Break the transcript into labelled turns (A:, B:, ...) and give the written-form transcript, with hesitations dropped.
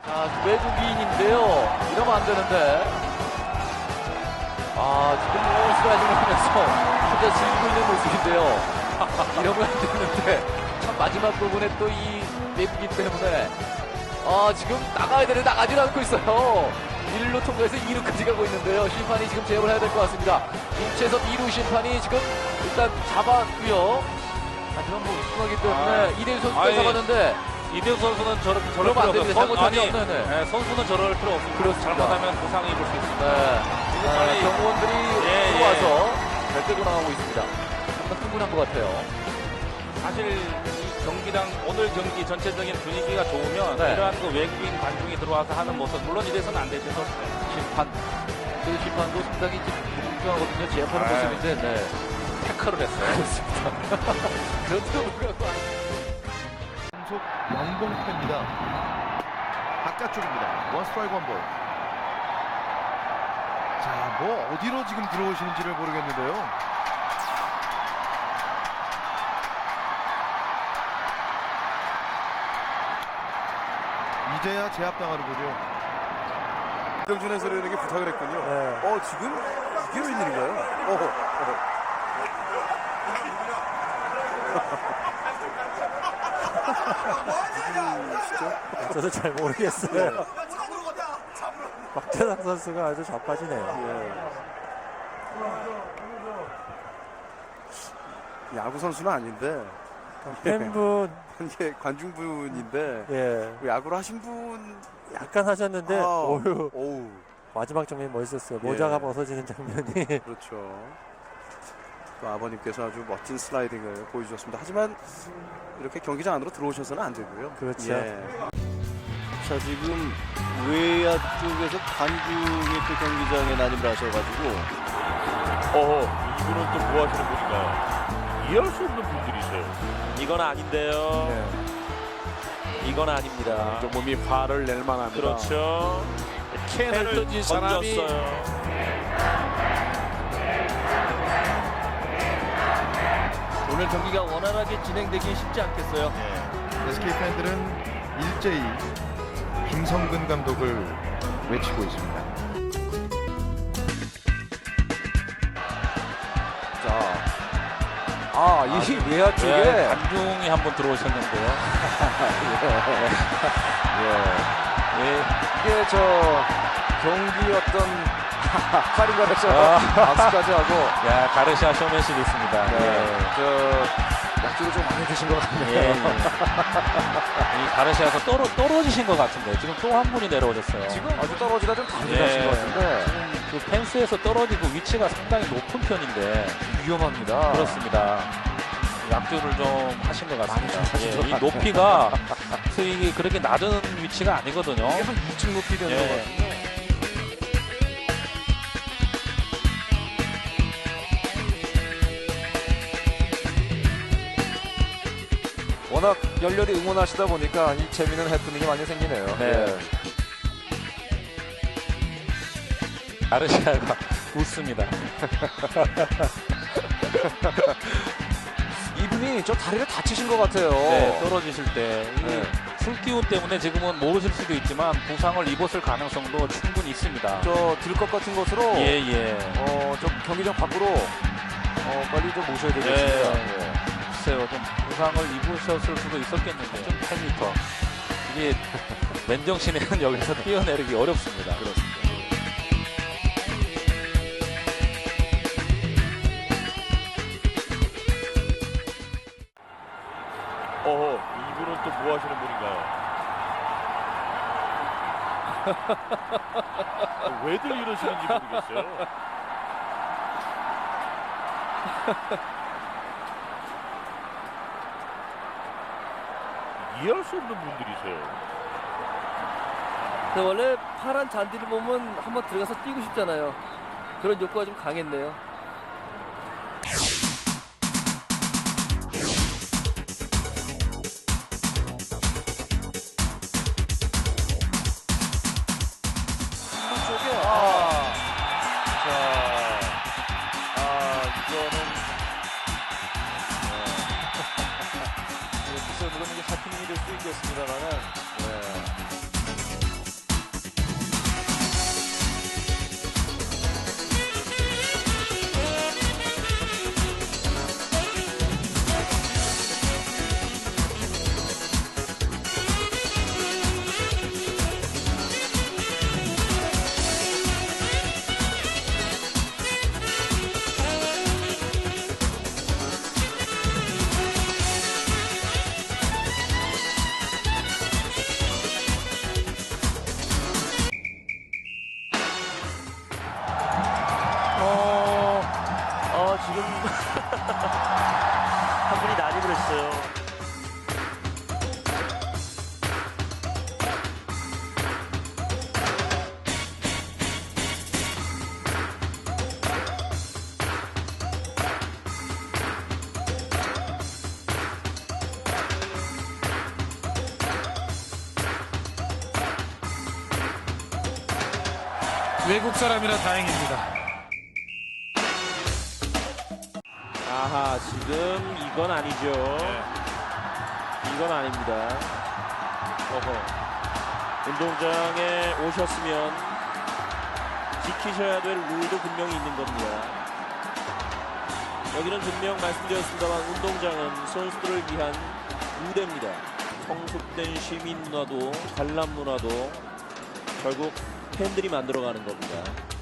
A: 외국인인데요. 이러면 안 되는데. 지금 스라이딩을 하면서 혼자 즐기고 있는 모습인데요. 이러면 안 되는데. 참 마지막 부분에 또 이 외국인 때문에. 지금 나가야 되는데 나가질 않고 있어요. 1루 통과해서 2루까지 가고 있는데요. 심판이 지금 제압을 해야 될 것 같습니다. 임채섭 2루 심판이 지금 일단 잡았고요. 하지만 뭐 우승하기 때문에 이대유 선수가 잡았는데
B: 이대유 선수는 저럴
A: 그러면 안 됩니다. 잘못하면 없는
B: 선수는 저럴 필요 없습니다.
A: 그렇습니다.
B: 잘못하면 부상을 입을 수 있습니다.
A: 네. 경호원들이 들어와서 잘 나가고 있습니다. 정말 흥분한 것 같아요.
B: 사실 이 경기당 오늘 경기 전체적인 분위기가 좋으면
A: 네.
B: 이러한 그 외국인 관중이 들어와서 하는 모습 물론 이래서는 안 되죠.
A: 그 심판도 상당히 공평하거든요. 제압하는
B: 네.
A: 모습인데
B: 태클을 했어요.
A: 그렇습니다. 그런데도 불구하고
C: 연속 영봉패입니다. 바깥쪽입니다. 원 스트라이크 원 볼. 자, 뭐 어디로 지금 들어오시는지를 모르겠는데요. 이제야 제압당하는군요.
D: 정준 해설위원에게 부탁을 했군요. 지금 이게 웬일인가요?
E: 저도 잘 모르겠어요. 박재상 선수가 아주 자빠지네요.
D: 야구 선수는 아닌데
E: 팬분
D: 이게 관중분인데
E: 예
D: 야구를 하신 분
E: 약간 하셨는데 오유
D: 오우
E: 마지막 장면이 멋있었어요.
D: 예.
E: 모자가 벗어지는 장면이.
D: 그렇죠. 또 아버님께서 아주 멋진 슬라이딩을 보여주셨습니다. 하지만 이렇게 경기장 안으로 들어오셔서는 안 되고요.
E: 그렇죠.
F: 자, 지금 외야 쪽에서 관중이 또 경기장에 난입을 하셔가지고
G: 이분은 또 뭐 하시는 분인가요? 이해할 수 없는 분들이세요.
B: 이건 아닌데요.
A: 네.
B: 이건 아닙니다.
D: 좀 몸이 화를 낼 만합니다.
B: 그렇죠.
A: 캔을 던진 사람이
B: 던졌어요.
F: 오늘 경기가 원활하게 진행되기 쉽지 않겠어요.
C: SK 팬들은 일제히 김성근 감독을 외치고 있습니다.
A: 이 외야 쪽에
B: 관중이 한번 들어오셨는데요.
A: 이게 경기 어떤 카리가레서 박수까지 하고
B: 가르시아 쇼맨십이 있습니다.
A: 약주를 좀 많이 드신 것 같네요.
B: 예. 이 가르시아에서 떨어지신 것 같은데 지금 또 한 분이 내려오셨어요.
A: 지금 아주 떨어지다 좀 당겨하신 것 같은데
B: 지금 그 펜스에서 떨어지고 위치가 상당히 높은 편인데
A: 위험합니다.
B: 그렇습니다. 약주를 좀 하신 것 같습니다.
A: 많이 좀 하신 것
B: 이
A: 같네요.
B: 높이가 이게 그렇게 낮은 위치가 아니거든요.
A: 이게 한 2층 높이 되는 것 같은데. 워낙 열렬히 응원하시다 보니까 이 재미있는 해프닝이 많이 생기네요.
B: 네. 가르시아가 웃습니다.
A: 이분이 저 다리를 다치신 것 같아요.
B: 네, 떨어지실 때
A: 네.
B: 술기운 때문에 지금은 모르실 수도 있지만 부상을 입었을 가능성도 충분히 있습니다.
A: 저 들것 같은 것으로
B: 예.
A: 저 경기장 밖으로 빨리 좀 모셔야 되겠습니다.
B: 예. 글쎄요, 좀 부상을 입으셨을 수도 있었겠는데 좀 8m 이게 맨정신에는 여기서 뛰어내리기 어렵습니다. 그렇습니다.
G: 이분은 또 뭐 하시는 분인가요? 왜들 이러시는지 모르겠어요. 이해할 수 없는 분들이세요.
F: 원래 파란 잔디를 보면 한번 들어가서 뛰고 싶잖아요. 그런 욕구가 좀 강했네요.
A: 글쎄요, 물론 이게 하프닝이 될 수 있겠습니다만은
H: 외국 사람이라 다행입니다.
I: 아하, 지금 이건 아니죠. 이건 아닙니다. 운동장에 오셨으면 지키셔야 될 룰도 분명히 있는 겁니다. 여기는 분명 말씀드렸습니다만 운동장은 선수들을 위한 무대입니다. 성숙된 시민 문화도 관람 문화도 결국 팬들이 만들어가는 겁니다.